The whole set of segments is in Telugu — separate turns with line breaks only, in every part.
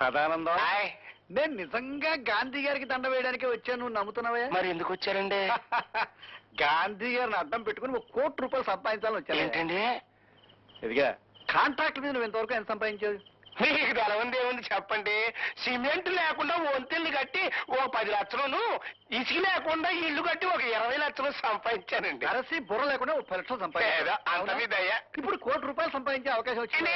సదానందం, నేను నిజంగా గాంధీ గారికి దండ వేయడానికి వచ్చాను, నువ్వు నమ్ముతున్నావా?
మరి ఎందుకు వచ్చారండి?
గాంధీ గారిని అడ్డం పెట్టుకుని ₹1 కోటి సంపాదించాలని వచ్చాను.
ఏంటండి?
ఇదిగా కాంట్రాక్ట్ మీద నువ్వు ఇంతవరకు ఎంత సంపాదించావు?
మీకు తెలవంది ఏముంది చెప్పండి. సిమెంట్ లేకుండా వంతెల్ని కట్టి ఓ 10 లక్షలను, ఇసుక లేకుండా ఇల్లు కట్టి ఒక 20 లక్షలు సంపాదించానండి.
అరసి బుర్ర లేకుండా 30 లక్షలు సంపాదించా.
అంత మీదయ్యా.
ఇప్పుడు ₹1 కోటి సంపాదించే అవకాశం వచ్చింది.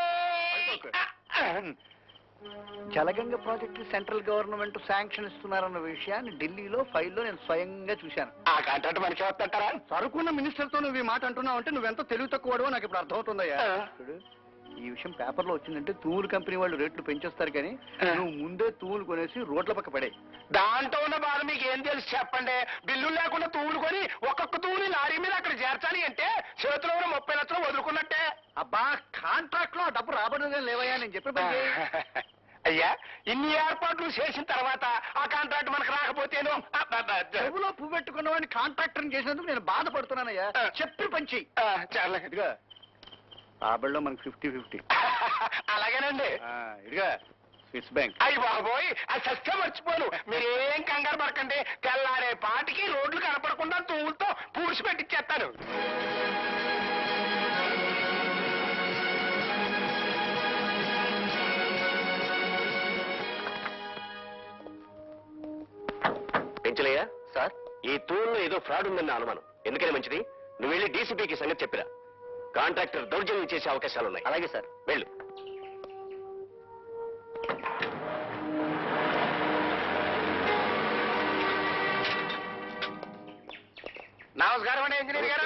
Jalaganga project central government sanction ఇస్తున్నారన్న విషయాన్ని ఢిల్లీలో ఫైల్లో నేను స్వయంగా చూశాను.
ఆ కాంట్రాక్ట్ మనకి వస్తుంటారా?
సరుకున్న మినిస్టర్ తో నువ్వు ఈ మాట అంటున్నావు అంటే నువ్వెంత తెలివి తక్కువడో నాకు ఇప్పుడు అర్థమవుతుందయ్యా. ఈ విషయం పేపర్లో వచ్చిందంటే తూములు కంపెనీ వాళ్ళు రేట్లు పెంచేస్తారు, కానీ నువ్వు ముందే తూములు కొనేసి రోడ్ల పక్క పడే.
దాంట్లో ఉన్న బాధ మీకు ఏం తెలుసు చెప్పండి. బిల్లులు లేకుండా తూములు కొని ఒక్కొక్క తూముని లారీ మీద అక్కడ చేర్చాలి అంటే చేతిలో ఉన్న 30 లక్షలు వదులుకున్నట్టే.
అబ్బా, కాంట్రాక్ట్ లో ఆ డబ్బు రాబడిగా లేవయ్యా, నేను చెప్పే పని చెయ్యి.
అయ్యా, ఇన్ని ఏర్పాట్లు చేసిన తర్వాత ఆ కాంట్రాక్ట్ మనకు రాకపోతేను
చెవులో పువ్వు పెట్టుకున్న వాడిని కాంట్రాక్టర్ చేసినందుకు నేను బాధపడుతున్నానయ్యా. చెప్పి పంచి ఇదిగా రాబడిలో మనకు 50-50.
అలాగేనండి.
ఇదిగా స్విస్ బ్యాంక్.
అయ్యి బాబోయ్, అది సత్యం మర్చిపోను. మీరేం కంగారు పడకండి. తెల్లారే పాటికి రోడ్లు కనపడకుండా తూములతో పూడ్చి పెట్టిచ్చేస్తాను. పెంచలయ్యా సార్, ఈ తూములో ఏదో ఫ్రాడ్ ఉందన్న అనుమానం. ఎందుకని మంచిది, నువ్వు వెళ్ళి డీసీపీకి సంగతి చెప్పిరా. కాంట్రాక్టర్ దౌర్జన్యం చేసే అవకాశాలున్నాయి. అలాగే సార్, వెళ్ళు. నమస్కారం అండి ఇంజనీర్ గారు.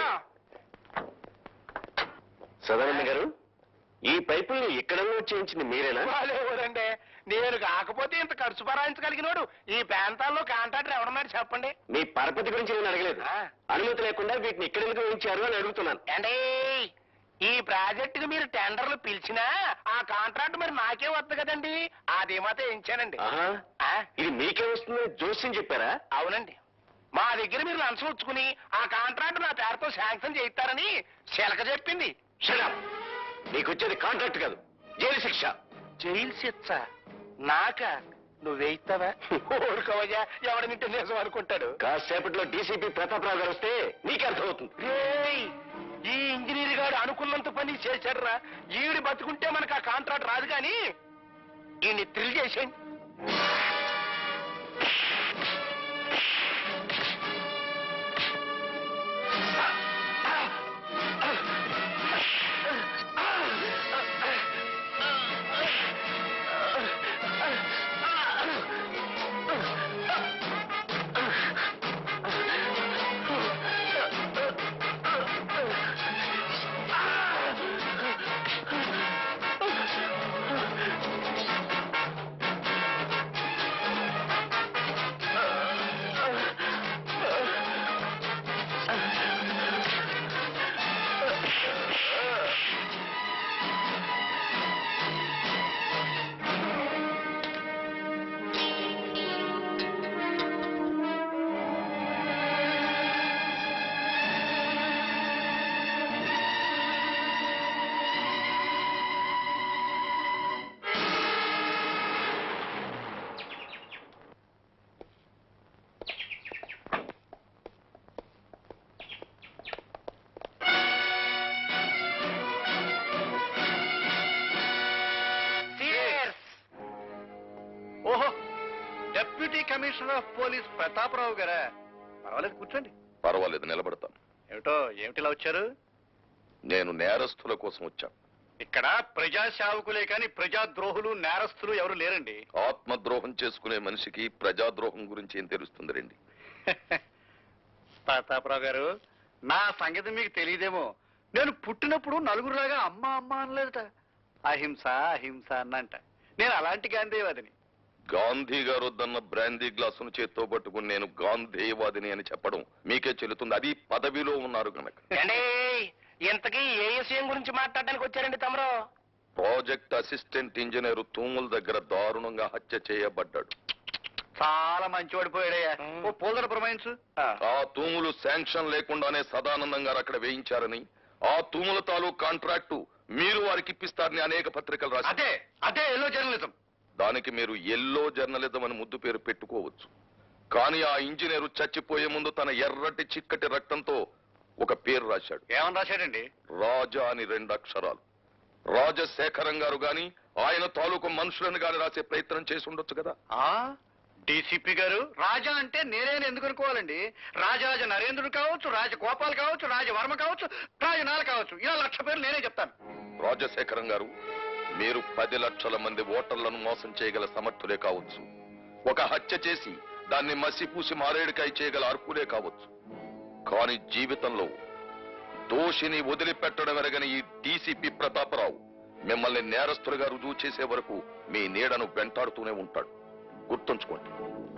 సదానంద గారు, ఈ పైపుల్ని ఇక్కడ చేయించింది మీరేనా? లేదండి, నేను కాకపోతే ఇంత ఖర్చు భరాయించగలిగినోడు ఈ ప్రాంతాల్లో కాంట్రాక్టర్ ఎవరున్నాడు చెప్పండి. మీ పరపతి గురించి నేను అడగలేదు. అనుమతి లేకుండా వీటిని ఇక్కడ ఎందుకు వేయించారు అని అడుగుతున్నాను. అంటే ఈ ప్రాజెక్టుకి మీరు టెండర్లు పిలిచినా ఆ కాంట్రాక్ట్ మరి నాకే వద్దు కదండి, అది మాత్రం వేయించానండి. ఇది మీకే వస్తుందని జోస్యం చెప్పారా? అవునండి, మా దగ్గర మీరు లంచం ఉంచుకుని ఆ కాంట్రాక్ట్ నా పేరుతో శాంక్షన్ చేయిస్తారని శిలక చెప్పింది. నీకు వచ్చేది కాంట్రాక్ట్ కాదు, జైలు శిక్ష. జైలు శిక్ష నాక? నువ్వు వేయిస్తావా? ఊరుకోవయ్యా, ఎవడనింటే నిజం అనుకుంటాడు. కాసేపట్లో డీసీపీ ప్రతాపరావు గారు వస్తే నీకే అర్థమవుతుంది. ఈ ఇంజనీర్ గారు అనుకున్నంత పని చేశాడురా. ఈవిడి బతుకుంటే మనకు ఆ కాంట్రాక్ట్ రాదు, కానీ ఈయన్ని థ్రిల్ చేసేయండి.
కమిషనర్ ఆఫ్ పోలీస్ ప్రతాపరావు గారా? పర్వాలేదు, కూర్చోండి.
పర్వాలేదు, నిలబడతాను.
ఏమిటిలా వచ్చారు?
నేను నేరస్తుల కోసం వచ్చాను.
ఇక్కడ ప్రజా సేవకులే కానీ ప్రజాద్రోహులు నేరస్తులు ఎవరు లేరండి.
ఆత్మద్రోహం చేసుకునే మనిషికి ప్రజాద్రోహం గురించి ఏం తెలుస్తుంది రండి.
ప్రతాపరావు గారు, నా సంగతి మీకు తెలియదేమో. నేను పుట్టినప్పుడు నలుగురులాగా అమ్మ అమ్మ అనలేదట, అహింస అహింస అన్నంట. నేను అలాంటి గాంధీవాదిని.
గాంధీ గారు వద్దన్న బ్రాందీ గ్లాసును చేత్తో పట్టుకుని నేను గాంధీవాదిని అని చెప్పడం మీకే చెల్లుతుంది, అది పదవిలో ఉన్నారు కనుక.
ఇంతకీ ఏ విషయం గురించి మాట్లాడడానికి వచ్చారండి తమరు?
ప్రాజెక్ట్ అసిస్టెంట్ ఇంజనీర్ తూముల దగ్గర దారుణంగా హత్య చేయబడ్డాడు.
చాలా మంచివాడు పోయాడయ్యా. ఓ పోల్దర ప్రమాయించు.
ఆ తూములు శాంక్షన్ లేకుండానే సదానందం గారు అక్కడ వేయించారని, ఆ తూముల తాలూకు కాంట్రాక్టు మీరు వారికి ఇప్పిస్తారని అనేక పత్రికలు రాశారు.
అదే అదే ఎల్లో జర్నలిజం.
దానికి మీరు ఎల్లో జర్నలిజం అని ముద్దు పేరు పెట్టుకోవచ్చు. కానీ ఆ ఇంజనీరు చచ్చిపోయే ముందు తన ఎర్రటి చిక్కటి రక్తంతో ఒక పేరు రాశాడు.
ఏమని రాశాడండి?
రాజా అని 2 అక్షరాలు. రాజశేఖరం గారు గాని ఆయన తాలూకు మనుషులను గాని రాసే ప్రయత్నం చేసి ఉండొచ్చు కదా.
డీసీపీ గారు, రాజా అంటే నేనేని ఎందుకు అనుకోవాలండి? రాజరాజ నరేంద్రుడు కావచ్చు, రాజగోపాల్ కావచ్చు, రాజవర్మ కావచ్చు, రాజనాల కావచ్చు, ఇలా 1,00,000 పేర్లు నేనే చెప్తాను.
రాజశేఖరం గారు, మీరు 10 లక్షల మంది ఓటర్లను మోసం చేయగల సమర్థులే కావచ్చు. ఒక హత్య చేసి దాన్ని మసిపూసి మారేడుకాయ చేయగల అర్హులే కావచ్చు. కానీ జీవితంలో దోషిని వదిలిపెట్టడం ఎరగని ఈ డీసీపీ ప్రతాపరావు మిమ్మల్ని నేరస్తులుగా రుజువు చేసే వరకు మీ నీడను వెంటాడుతూనే ఉంటాడు. గుర్తుంచుకోండి.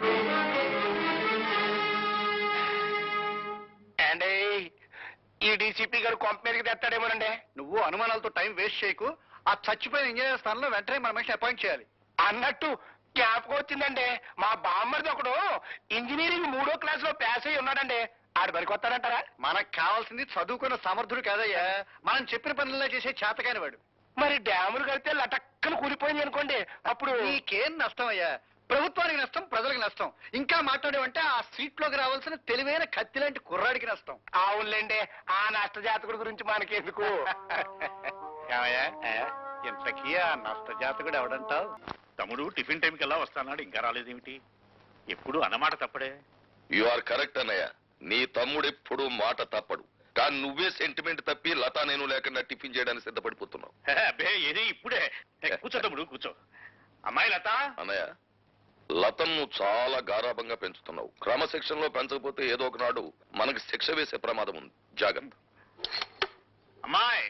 అండి, ఈ డీసీపీ గారు కొంప మీదకి తెస్తాడేమోనండి.
నువ్వు అనుమానాలతో టైం వేస్ట్ చేయకు. ఆ చచ్చిపోయిన ఇంజనీర్ స్థానంలో వెంటనే మన మనిషిని అపాయింట్ చేయాలి.
అన్నట్టు జ్ఞాపకం వచ్చిందండి, మా బామ్మరిది ఒకడు ఇంజనీరింగ్ 3వ క్లాస్ లో పాస్ అయ్యి ఉన్నాడండి. ఆడు పనికొస్తాడంటారా?
మనకు కావాల్సింది చదువుకున్న సమర్థుడు కాదయ్యా, మనం చెప్పిన పనుల్లో చేసే చేతకాని వాడు.
మరి డ్యాములు కడితే లటక్కన కూలిపోయింది అనుకోండి, అప్పుడు
నీకేం నష్టం అయ్యా? ప్రభుత్వానికి నష్టం, ప్రజలకు నష్టం. ఇంకా మాట్లాడేవంటే ఆ సీట్లోకి రావాల్సిన తెలివైన కత్తి లాంటి కుర్రాడికి నష్టం.
అవునులేండి, ఆ నష్టజాతకుడి గురించి మనకెందుకు.
ఏమయ్యా, ఇంతకీ ఆ నష్టజాతకుడు ఎవడంటావు?
తమ్ముడు టిఫిన్ టైంకి ఎలా వస్తాన్నాడు, ఇంకా రాలేదేమిటి? ఎప్పుడు అన్నమాట తప్పడే.
యు ఆర్ కరెక్ట్ అన్నయ్య. నీ తమ్ముడు ఎప్పుడు మాట తప్పడు. కానీ నువ్వే సెంటిమెంట్ తప్పి లతా నేను లేకుండా టిఫిన్ చేయడానికి సిద్ధపడిపోతున్నావు.
అబ్బే ఏది ఇప్పుడే. కూర్చో తమ్ముడు కూర్చో. అమ్మాయి లత.
అన్నయ్య, లతను నువ్వు చాలా గారాభంగా పెంచుతున్నావు. క్రమశిక్షణలో పెంచకపోతే ఏదో ఒకనాడు మనకి శిక్ష వేసే ప్రమాదం ఉంది. జాగ్రత్త.
అమ్మాయి,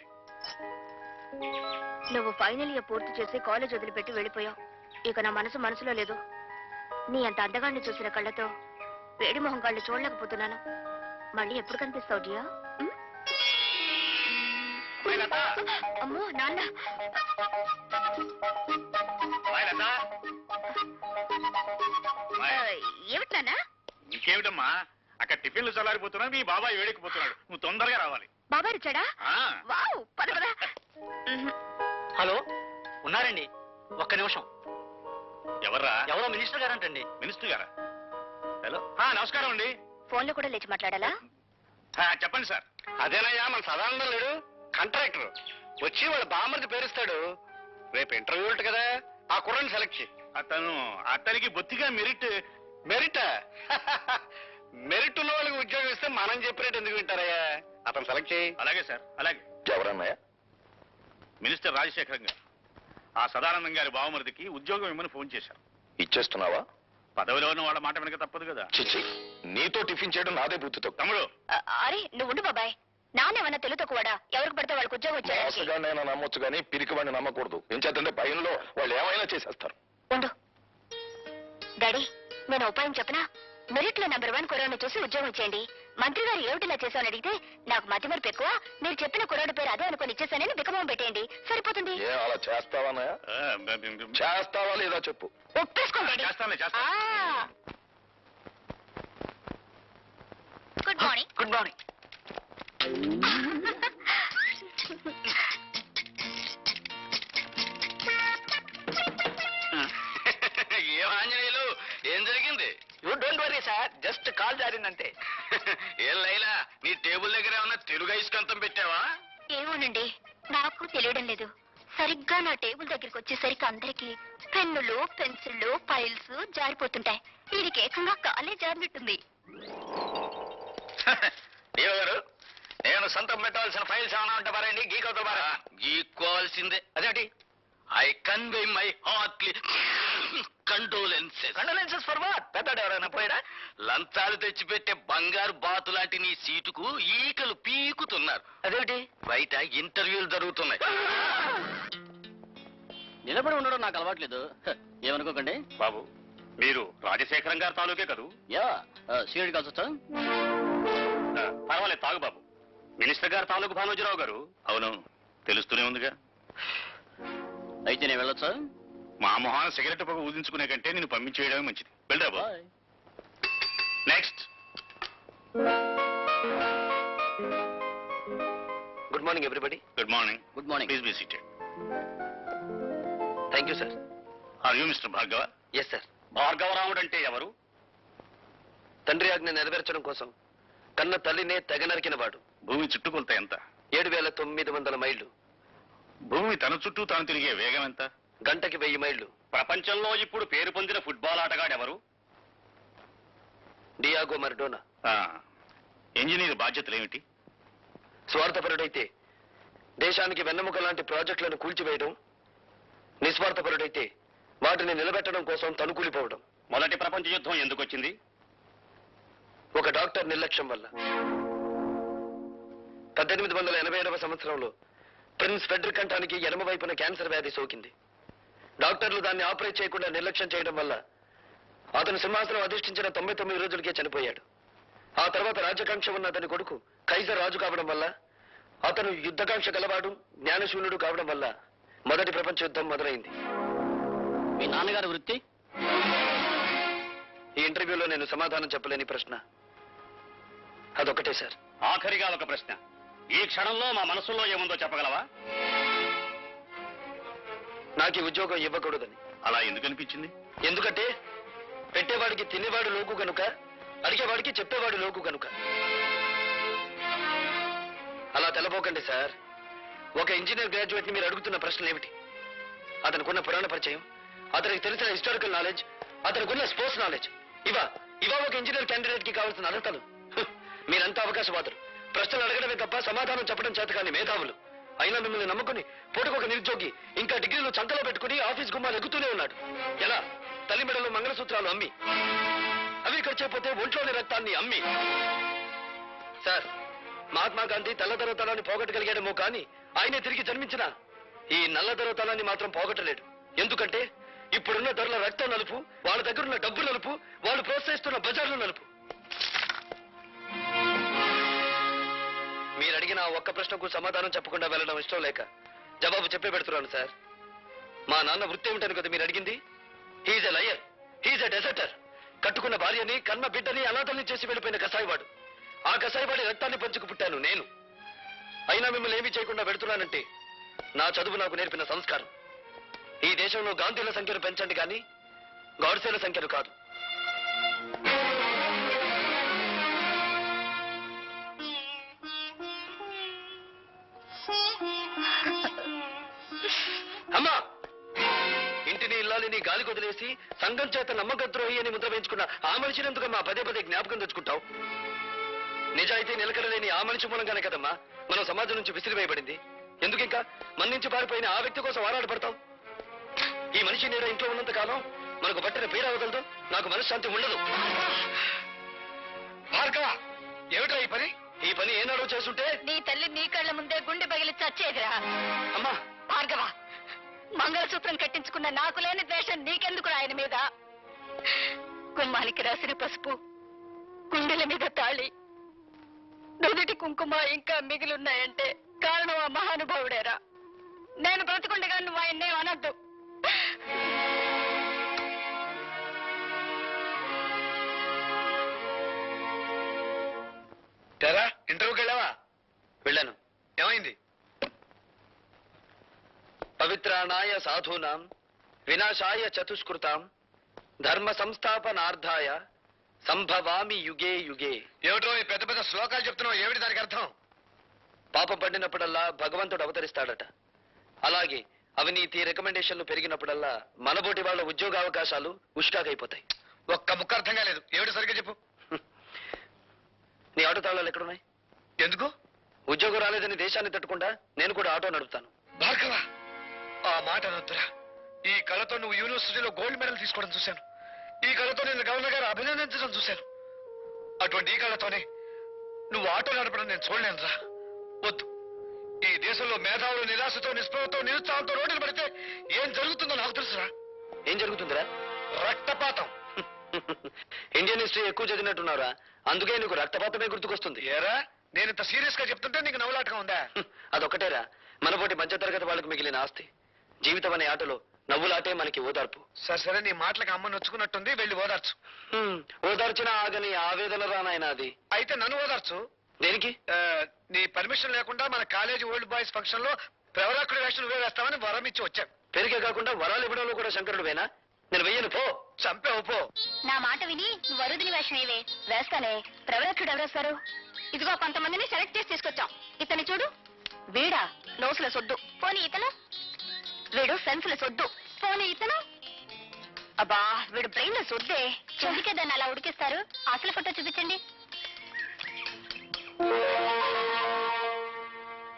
నువ్వు ఫైనల్ ఇయర్ పూర్తి చేసి కాలేజ్ వదిలిపెట్టి వెళ్ళిపోయావు. ఇక నా మనసులో లేదు. నీ అంత అందగాన్ని చూసిన కళ్ళతో వేడి మొహం కళ్ళు చూడలేకపోతున్నాను. మళ్ళీ ఎప్పుడు కనిపిస్తావు డియా? అమ్మో నాన్న. ఏమిటి నాన్న?
ఇంకేమిటమ్మా, అక్కడ టిఫిన్లు చల్లారిపోతున్నా, మీ బాబాయ్ వేడెక్కిపోతున్నాడు. నువ్వు తొందరగా రావాలి.
బాబాయ్ వచ్చాడా? వావ్, పద పద.
హలో, ఉన్నారండి? ఒక్క నిమిషం.
ఎవర్రా?
ఎవరో మినిస్టర్ గారంటండి.
మినిస్టర్ గారా? హలో, నమస్కారం అండి.
ఫోన్లో కూడా లేచి మాట్లాడాలా?
చెప్పండి సార్.
అదేనయ్యా మన సదానందం లేడు, కాంట్రాక్టర్ వచ్చి వాళ్ళ బామ్మర్ది పేరుస్తాడు. రేపు ఇంటర్వ్యూ ఉంటుంది కదా, ఆ కుర్రాన్ని సెలెక్ట్ చేయి.
అతనికి బొత్తిగా మెరిట్.
మెరిట్ మెరిట్ ఉన్న వాళ్ళకి ఉద్యోగం ఇస్తే మనం చెప్పినట్టు ఎందుకు వింటారయ్యా? అతను సెలెక్ట్ చేయి.
అలాగే సార్, అలాగే.
ఎవరన్నయ్య?
మినిస్టర్ రాజశేఖరం గారు ఆ సదానందం గారి బావమరిదికి ఉద్యోగం ఇమ్మని ఫోన్ చేశారు.
ఇచ్చేస్తున్నావా?
పదవిలో ఉన్న వాళ్ళ మాట వెనక తప్పదు కదా.
చిచ్చి, నీతో టిఫిన్ చేయడం నాదే బుద్ధితో.
తమ్ముడు,
అరే నువ్వు ఉండు బాబాయ్. నాన్నేమన్నా తెలుతో కూడా ఎవరికి పడితే వాళ్ళకి ఉద్యోగం వచ్చాడు.
మోసగాడినైనా నమ్మొచ్చు కానీ పిరికివాడిని నమ్మకూడదు. ఎంచేతంటే భయంలో వాళ్ళు ఏమైనా చేసేస్తారు.
ఉండు డాడీ, నేను ఉపాయం చెప్పనా? మెరిట్ లో నెంబర్ 1 కుర్రాడిని చూసి ఉద్యోగం ఇచ్చేయండి. మంత్రి గారు ఏమిటిలా చేశామని అడిగితే నాకు మతిమరుపు ఎక్కువ, మీరు చెప్పిన కుర్రాడి పేరు అదే అనుకుని ఇచ్చేసానని బికమం పెట్టేయండి, సరిపోతుంది.
ఏ అలా చేస్తావానయ్య? చేస్తావా లేదా చెప్పు.
ఒప్పేసుకోండి.
చేస్తానులే, చేస్తాను.
Good morning.
Good morning.
ఏం ఆంజనేయులు, ఏం జరిగింది?
You don't worry sir, just call జారిందంటే.
ఏం లైలా, నీ టేబుల్ దగ్గర ఏమన్నా తెలుగు ఐస్కంతం పెట్టావా?
ఏమోనండి, నాకు తెలియడం లేదు. సరిగ్గా నా టేబుల్ దగ్గరికి వచ్చేసరికి అందరికి పెన్నులు, పెన్సిళ్ళు, ఫైల్స్ జారిపోతుంటాయి. వీడికి ఏకంగా కాలే జారినట్టుంది.
దేవ గారు, నేను సొంతం పెట్టాల్సిన ఫైల్స్ ఏమైనా ఉంటే పారండి, గీకవుతా పారా. గీక్కోవాల్సిందే. అదేంటి? I convey my heartly condolences. Condolences for what? పెద్దాడు ఎవరైనా పోయాడా? లంచాలు తెచ్చిపెట్టే బంగారు బాతు లాంటి నీ సీటుకు ఈకలు పీకుతున్నారు.
అదేమిటి?
బయట ఇంటర్వ్యూలు జరుగుతున్నాయి.
నిలబడి ఉండడం నాకు అలవాట్లేదు, ఏమనుకోకండి.
బాబు, మీరు రాజశేఖరం గారి తాలూకే కదూ?
యా, సీరియడ్ కాల్స్ వచ్చా?
పర్వాలేదు, తాగు బాబు. మినిస్టర్ గారు తాలూకు భానోజీరావు గారు. అవును, తెలుస్తూనే ఉందిగా.
అయితే నేను వెళ్ళొచ్చా?
మా మొహాన సిగరెట్ పొగ ఊదించుకునే కంటే నేను పంపించేయడమే మంచిది. వెళ్ళరా బాబు. Next.
Good morning everybody.
Good morning.
Good morning.
Please be seated.
Thank you sir.
Are you mister Bhargava?
Yes sir.
Bhargavaramudu అంటే ఎవరు?
తండ్రి ఆజ్ఞ నెరవేర్చడం కోసం కన్న తల్లినే తెగ నరికిన వాడు.
భూమి చుట్టుకొలత ఎంత?
7,900 మైళ్ళు.
భూమి తన చుట్టూ తాను తిరిగే వేగం ఎంత?
గంటకి 1000 మైళ్ళు.
ప్రపంచంలో ఇప్పుడు పేరు పొందిన ఫుట్బాల్ ఆటగాడెవరు?
Diego Maradona.
ఇంజనీర్ బాధ్యతలు ఏమిటి?
స్వార్థపరుడైతే దేశానికి వెన్నెముక లాంటి ప్రాజెక్టులను కూల్చివేయడం, నిస్వార్థపరుడైతే వాటిని నిలబెట్టడం కోసం తనుకూలిపోవడం.
మొదటి ప్రపంచ యుద్ధం ఎందుకు వచ్చింది?
ఒక డాక్టర్ నిర్లక్ష్యం వల్ల. 1887వ సంవత్సరంలో ప్రిన్స్ ఫెడ్రిక్ కంఠానికి ఎడమ వైపున క్యాన్సర్ వ్యాధి సోకింది. డాక్టర్లు దాన్ని ఆపరేట్ చేయకుండా నిర్లక్ష్యం చేయడం వల్ల అతను సింహాసనం అధిష్ఠించిన 99 రోజులకే చనిపోయాడు. ఆ తర్వాత రాజ్యకాంక్ష ఉన్న అతని కొడుకు కైజర్ రాజు కావడం వల్ల, అతను యుద్ధకాంక్ష గలవాడు, జ్ఞానశూన్యుడు కావడం వల్ల మొదటి ప్రపంచ యుద్ధం మొదలైంది.
మీ నాన్నగారి వృత్తి?
ఈ ఇంటర్వ్యూలో నేను సమాధానం చెప్పలేని ప్రశ్న అదొకటే సార్.
ఆఖరిగా ఒక ప్రశ్న. ఈ క్షణంలో మా మనసులో ఏముందో చెప్పగలవా?
నాకు ఈ ఉద్యోగం ఇవ్వకూడదని.
అలా ఎందుకు అనిపించింది?
ఎందుకంటే పెట్టేవాడికి తినేవాడు లోకు కనుక, అడిగేవాడికి చెప్పేవాడు లోకు కనుక. అలా తెలపోకండి సార్. ఒక ఇంజనీర్ గ్రాడ్యుయేట్ ని మీరు అడుగుతున్న ప్రశ్నలు ఏమిటి? అతనికున్న పురాణ పరిచయం, అతనికి తెలిసిన హిస్టారికల్ నాలెడ్జ్, అతనికున్న స్పోర్ట్స్ నాలెడ్జ్, ఇవా ఒక ఇంజనీర్ క్యాండిడేట్ కి కావాల్సిన అర్హతలు. మీరంతా అవకాశవాదులు. ప్రశ్నలు అడగడమే తప్ప సమాధానం చెప్పడం చేత కానీ మేధావులు. అయినా మిమ్మల్ని నమ్ముకుని పూటకొక నిరుద్యోగి ఇంకా డిగ్రీలు చంకలో పెట్టుకుని ఆఫీస్ గుమ్మాలు ఎగుతూనే ఉన్నాడు. ఎలా? తల్లి మెడలో మంగళసూత్రాలు అమ్మి, అవి ఖర్చైపోతే ఒంట్లోని రక్తాన్ని అమ్మి. సార్, మహాత్మా గాంధీ తెల్లదొరతనాన్ని పోగొట్టగలిగాడేమో కానీ ఆయనే తిరిగి జన్మించిన ఈ నల్లదొరతనాన్ని మాత్రం పోగొట్టలేడు. ఎందుకంటే ఇప్పుడున్న ధరల రక్తం నలుపు, వాళ్ళ దగ్గరున్న డబ్బు నలుపు, వాళ్ళు ప్రోత్సహిస్తున్న బజార్లు నలుపు. మీరు అడిగిన ఒక్క ప్రశ్నకు సమాధానం చెప్పకుండా వెళ్ళడం ఇష్టం లేక జవాబు చెప్పే పెడుతున్నాను సార్. మా నాన్న వృత్తి ఏమిటని కదా మీరు అడిగింది? He's a liar, he's a deserter. కట్టుకున్న భార్యని, కన్న బిడ్డని అనాథల్ని చేసి వెళ్ళిపోయిన కసాయివాడు. ఆ కసాయివాడి రక్తాన్ని పంచుకు పుట్టాను నేను. అయినా మిమ్మల్ని ఏమీ చేయకుండా పెడుతున్నానంటే నా చదువు నాకు నేర్పిన సంస్కారం. ఈ దేశంలో గాంధీల సంఖ్యను పెంచండి కానీ గాడ్సేల సంఖ్యను కాదు. అమ్మా, ఇంటిని ఇల్లాలిని గాలి కొదిలేసి సంఘం చేత నమ్మకద్రోహి అని ముద్ర వేయించుకున్న ఆ మనిషిని ఎందుకమ్మా పదే పదే జ్ఞాపకం తెచ్చుకుంటావు? నిజాయితీ నిలకడలేని ఆ మనిషి మూలంగానే కదమ్మా మనం సమాజం నుంచి విసిరివేయబడింది. ఎందుకు ఇంకా మన నుంచి పారిపోయిన ఆ వ్యక్తి కోసం ఆరాటపడతాం? ఈ మనిషి నీడ ఇంట్లో ఉన్నంత కాలం మనకు పట్టిన పీడ వదలదు, నాకు మనశ్శాంతి ఉండదు. భార్గవ, ఏమిట్రా ఈ పని? ఈ పని ఏనాడో చేస్తుంటే
నీ తల్లి నీ కళ్ళ ముందే గుండె పగిలి చచ్చేదిరా.
అమ్మా
భార్గవ, మంగళసూత్రం కట్టించుకున్న నాకు లేని ద్వేషం నీకెందుకు ఆయన మీద? గుమ్మానికి రాసిన పసుపు, గుండెల మీద తాళి, నుదుటి కుంకుమ ఇంకా మిగిలిన్నాయంటే కారణం ఆ మహానుభావుడేరా. నేను బ్రతుకుండగా నువ్వు ఆయన్నే అనద్దు.
తెరా ఇంటర్వ్యూకి వెళ్ళావా? వెళ్ళాను. ఏమైంది? పవిత్రాణాయ సాధూనాం వినాశాయ చతుష్కృతాం ధర్మ సంస్థాపనార్థాయ సంభవామి యుగే యుగే. ఏమిటో ఈ పెద్ద పెద్ద శ్లోకాలు చెప్తున్నావు, ఏమిటి దానికి అర్థం? పాపం పడినప్పుడల్లా భగవంతుడు అవతరిస్తాడట. అలాగే అవినీతి రికమెండేషన్లు పెరిగినప్పుడల్లా మనబోటి వాళ్ళ ఉద్యోగావకాశాలు ఉష్కాకైపోతాయి. ఒక్క ముక్క అర్థం కాలేదు, ఏమిటి సరిగ్గా చెప్పు. నీ ఆటో తాళాలు ఎక్కడున్నాయి? ఎందుకు? ఉద్యోగం రాలేదని దేశాన్ని తట్టుకుండా నేను కూడా ఆటో నడుపుతాను. భార్గవ, ఆ మాట అనొద్దురా. ఈ కళతో నువ్వు యూనివర్సిటీలో గోల్డ్ మెడల్ తీసుకోవడం చూశాను. ఈ కళతో నేను గవర్నర్ గారు అభినందించడం చూశాను. అటువంటి ఈ కళతోనే నువ్వు ఆటో నడపడం నేను చూడలేనురా. వద్దు. ఈ దేశంలో మేధావులు నిరాశతో, నిస్పృహతో, నిరుత్సాహంతో రోడ్డులు పడితే ఏం జరుగుతుందో నాకు తెలుసురా. ఏం జరుగుతుందిరా? రక్తపాతం. ఇండియన్ హిస్టరీ ఎక్కువ చదివినట్టున్నారా, అందుకే నీకు రక్తపాతమే గుర్తుకొస్తుంది. ఏరా, నేను ఇంత సీరియస్ గా చెప్తుంటే నీకు నవ్వులాటగా ఉందా? అదొక్కటేరా మనపోటి మధ్యతరగతి వాళ్ళకు మిగిలిన ఆస్తి. జీవితం అనే ఆటలో నవ్వులాటే మనకి ఓదార్పు. సరే, నీ మాటలకు అమ్మ నొచ్చుకున్నట్టుంది, వెళ్ళి ఓదార్చు. ఓదార్చినా ఆగని ఆవేదన రానాయన అది. అయితే నన్ను ఓదార్చు. దేనికి? నీ పర్మిషన్ లేకుండా మన కాలేజీ ఓల్డ్ బాయ్స్ ఫంక్షన్ లో ప్రవరాకుడి వేషం నువ్వే వేస్తామని వరం ఇచ్చి వచ్చాను. పెరిగే కాకుండా వరాలు ఇవ్వడంలో కూడా శంకరుడువేనా? నేను వెయ్యను, పో. చంపావు, పో.
నా మాట విని నువ్వు వరుదిని వేషం ఏవే వేస్తానే. ప్రవరక్షుడు ఎవరేస్తారు? ఇదిగో కొంతమందిని సెలెక్ట్ చేసి తీసుకొచ్చాం. ఇతని చూడు, వీడా నోసుల సొద్దు. పోనీ ఇతను, వీడు సెన్సుల సొద్దు. పోనీ ఇతను, అబ్బా వీడు బ్రెయిన్ లో సొద్దే. చెందుకే దాన్ని అలా ఉడికిస్తారు. అసలు ఫోటో చూపించండి.